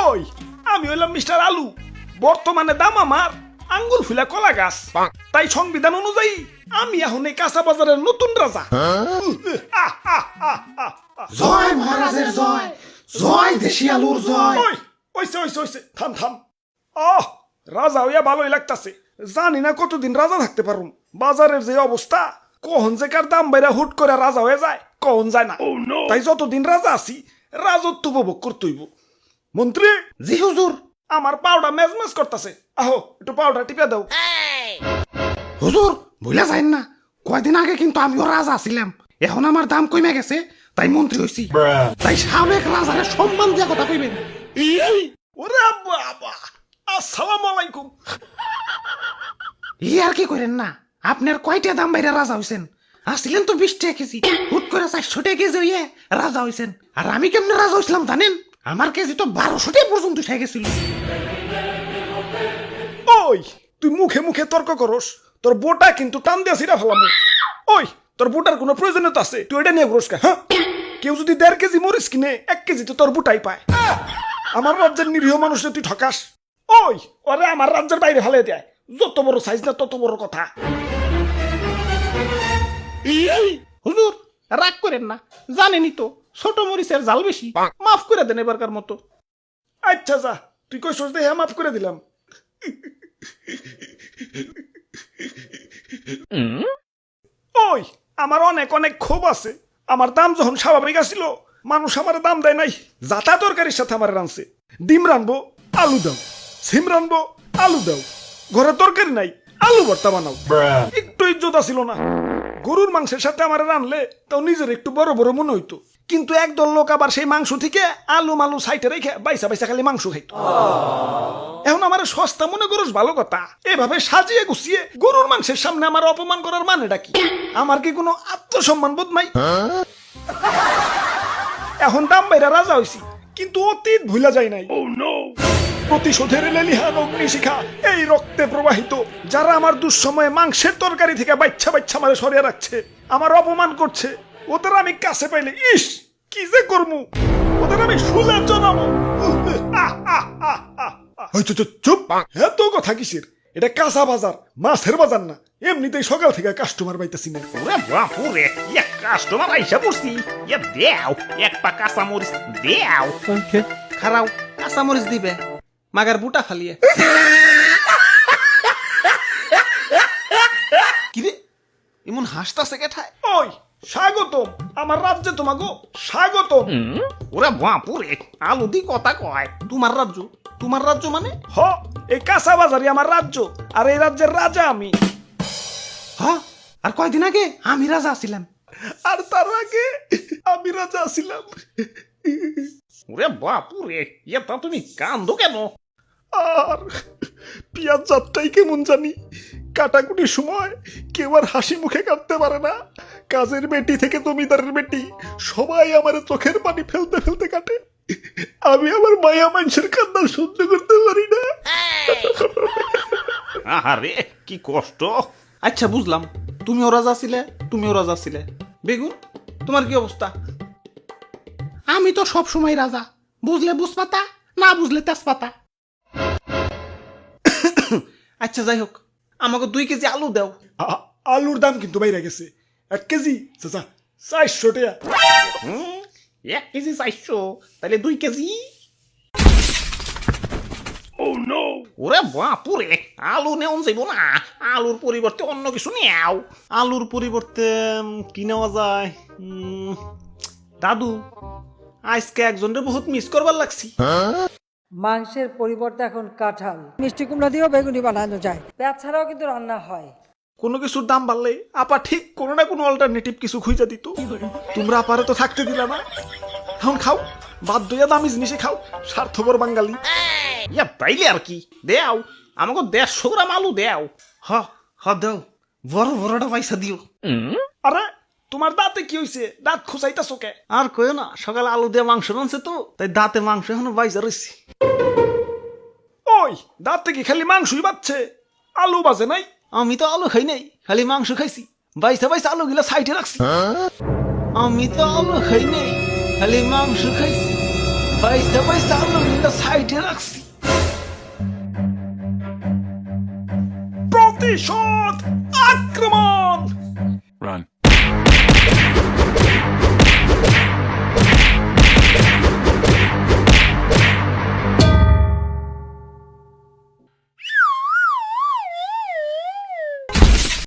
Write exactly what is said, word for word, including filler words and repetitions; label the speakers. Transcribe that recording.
Speaker 1: ওই আমি হইলাম মিস্টার আলু, বর্তমানে দাম আমার আঙ্গুল ফুলা কলা গাছ। তাই সংবিধান অনুযায়ী আমি এখন এই কাঁচা বাজারের নতুন রাজা। আহ, আহ, আহ, আহ, আহ।
Speaker 2: জয় মহারাজের জয়, জয় দেশি আলুর জয়।
Speaker 1: ওই ওইসে ওইসে ওইসে থাম থাম। আহ রাজা হইয়া ভালোই লাগতাছে, জানি না কতদিন রাজা থাকতে পারুম। বাজারের যে অবস্থা, কখন যে কার দাম বাইরা হুট করে রাজা হয়ে যায় কখন যায় না। তাই যতদিন রাজা আছি রাজত্ব উপভোগ করতেইব। মন্ত্রী,
Speaker 2: জি হুজুর।
Speaker 1: আমার পাউডার মেজমেজ করতেছে, আহো একটু পাউডার টিপে দাও।
Speaker 2: হুজুর ভুলে যাইন না, কয়দিন আগে কিন্তু আমিও রাজা ছিলাম, এখন আমার দাম কমে গেছে তাই মন্ত্রী হইছি। তাই সাবেক রাজারে সম্মান দিয়া কথা কইবেন।
Speaker 1: ওরে বাবা, আসসালামু আলাইকুম।
Speaker 2: ই আর কি করেন না, আপনার কয়টা দাম বাইরে রাজা হইছেন? আসছিলেন তো বিশ টাকা কেজি, হুট করে চারশো টাকা কেজি হইয়ে রাজা হইছেন। আর আমি কেমনে রাজা হইছিলাম জানেন? আমার কেজি তো বারোশো টাকা পর্যন্ত উঠে গেছিল।
Speaker 1: ওই তুই মুখে মুখে তর্ক করস, তোর বোটা কিন্তু টান দিয়া ছিড়া ফেলাম। ওই তোর বোটার কোনো প্রয়োজনীয়তা আছে? তুই এটা নিয়ে ঘুরস কে? হ্যাঁ, কেউ যদি দেড় কেজি মরিচ কিনে এক কেজি তো তোর বুটাই পায়। আমার রাজ্যের নিরীহ মানুষে তুই ঠকাস। ওই ওরে আমার রাজ্যের বাইরে ফেলে দেয়, যত বড় সাইজ না তত বড় কথা।
Speaker 2: হুজুর রাগ করেন না, জানেনই তো ছোট মরিচের জাল বেশি, মাফ করে দেন এবারকার মতো।
Speaker 1: আচ্ছা যা, তুই কই সোচ দেখে মাফ করে দিলাম। ওই আমার অনেক অনেক ক্ষোভ আছে। আমার দাম যখন স্বাভাবিক আসিল, মানুষ আমার দাম দেয় নাই। যাতা তরকারির সাথে আমার রানছে, ডিম রানবো আলু দাও, সিম রানবো আলু দাও, ঘরে তরকারি নাই আলু ভর্তা বানাও। একটু ইজ্জত আসিল না। গরুর মাংসের সাথে আমার রানলে তাও নিজের একটু বড় বড় মনে হইতো, কিন্তু একদল লোক আবার সেই মাংস থেকে আলু মালু সাইটে রেখে বাইসা বাইসা খালি মাংস খাইতো। এখন আমার সস্তা মনে করস ভালো কথা, এভাবে সাজিয়ে গুছিয়ে গরুর মাংসের সামনে আমার অপমান করার মানেটা কি? আমার কি কোনো আত্মসম্মান বোধ নাই? এখন দাম বাইরা রাজা হইছি, কিন্তু অতীত ভুলা যায় নাই। প্রতিশোধের লেলিহান অগ্নিশিখা এই রক্তে প্রবাহিত। যারা আমার দুঃসময়ে মাংসের তরকারি থেকে বাচ্চা বাচ্চা মারে সরিয়ে রাখছে, আমার অপমান করছে, ওদের আমি কাছে পাইলে ইস কি যে করমু, ওদের আমি শুলে জানাবো। চুপ, এত কথা কিসের? এটা কাঁচা বাজার, মাছের বাজার না। এমনিতেই সকাল থেকে কাস্টমার পাইতেছি না।
Speaker 3: ওরে বাপুরে, এক কাস্টমার আইসা পড়ছি। এ দেও এক পা কাঁচা মরিচ দেও।
Speaker 2: খারাও কাঁচা মরিচ দিবে, মাগার বুটা ফালিয়ে। কিরে এমন হাসতাছে কেঠায়?
Speaker 1: ওই স্বাগতম আমার রাজ্যে, তোমাকে স্বাগতম।
Speaker 3: ওরে বাপুরে, আলু দি কথা কয়।
Speaker 2: তোমার রাজ্য? তোমার রাজ্য মানে?
Speaker 1: হ, এই কাঁচা বাজারই আমার রাজ্য, আর এই রাজ্যের রাজা আমি।
Speaker 2: হ, আর কয়দিন আগে আমি রাজা ছিলাম।
Speaker 1: আর তার আগে আমি রাজা ছিলাম।
Speaker 3: ওরে বাপুরে, এটা তুমি কান্দো কেন?
Speaker 1: আর পিয়াজ যাত্রাই কেমন জানি, কাটাকুটির সময় কেউ আর হাসি মুখে কাটতে পারে না। কাজের বেটি থেকে জমিদারের বেটি সবাই আমার চোখের পানি ফেলতে ফেলতে কাটে। আমি আমার মায়া মানুষের কান্না সহ্য করতে পারি না।
Speaker 3: আরে কি কষ্ট।
Speaker 2: আচ্ছা বুঝলাম, তুমিও রাজা ছিলে, তুমিও রাজা ছিলে। বেগুন তোমার কি অবস্থা? আমি তো সব সময় রাজা, বুঝলে বুঝপাতা, না বুঝলে তেজপাতা। আচ্ছা যাই হোক, আমাকে দুই কেজি আলু দাও।
Speaker 1: আ- আলুর দাম কিন্তু বাইরে গেছে, এক কেজি চাচা চারশো টাকা।
Speaker 3: হুম, এক কেজি চাইছো, তাহলে দুই কেজি। ওরে বাপুরে, আলু নেওয়া যাইব না, আলুর পরিবর্তে অন্য কিছু নেও।
Speaker 2: আলুর পরিবর্তে উম, কি নেওয়া যায়? উম, দাদু আজকে একজনের বহুত মিস করবার লাগছি।
Speaker 4: মাংসের পরিবর্তে এখন কাঁঠাল, মিষ্টি কুমড়া দিয়েও বেগুনি বানানো যায়। পেঁয়াজ ছাড়াও কিন্তু রান্না হয়।
Speaker 1: কোনো কিছুর দাম বাড়লে আপা ঠিক কোনো না কোনো অল্টারনেটিভ কিছু খুঁজে দিত। তোমরা আপারে তো থাকতে দিলা না, এখন খাও, বাধ্য হইয়া দামি জিনিসে খাও, স্বার্থপর বাঙালি।
Speaker 3: ইয়া তাইলে আর কি, দেও আমাকে দেড়শো গ্রাম আলু দেও।
Speaker 2: হ হ দাও, বড় বড়টা পয়সা দিও।
Speaker 1: আরে তোমার দাঁতে কি হইছে? দাঁত খুঁচাইতাছো কে?
Speaker 2: আর কইও না, সকালে আলু দিয়ে মাংস রানছে তো, তাই দাঁতে মাংস এখনো বাইজা রয়েছে।
Speaker 1: ওই দাঁতে কি খালি মাংসই বাচ্ছে, আলু বাজে নাই?
Speaker 2: আমি তো আলু খাই নাই, খালি মাংস খাইছি। বাইসা বাইসা আলু গিলা সাইডে রাখছি। আমি তো আলু খাই নাই, খালি মাংস খাইছি।
Speaker 1: বাইসা বাইসা আলুগুলা সাইডে রাখছি। প্রতিশোধ, আক্রমণ।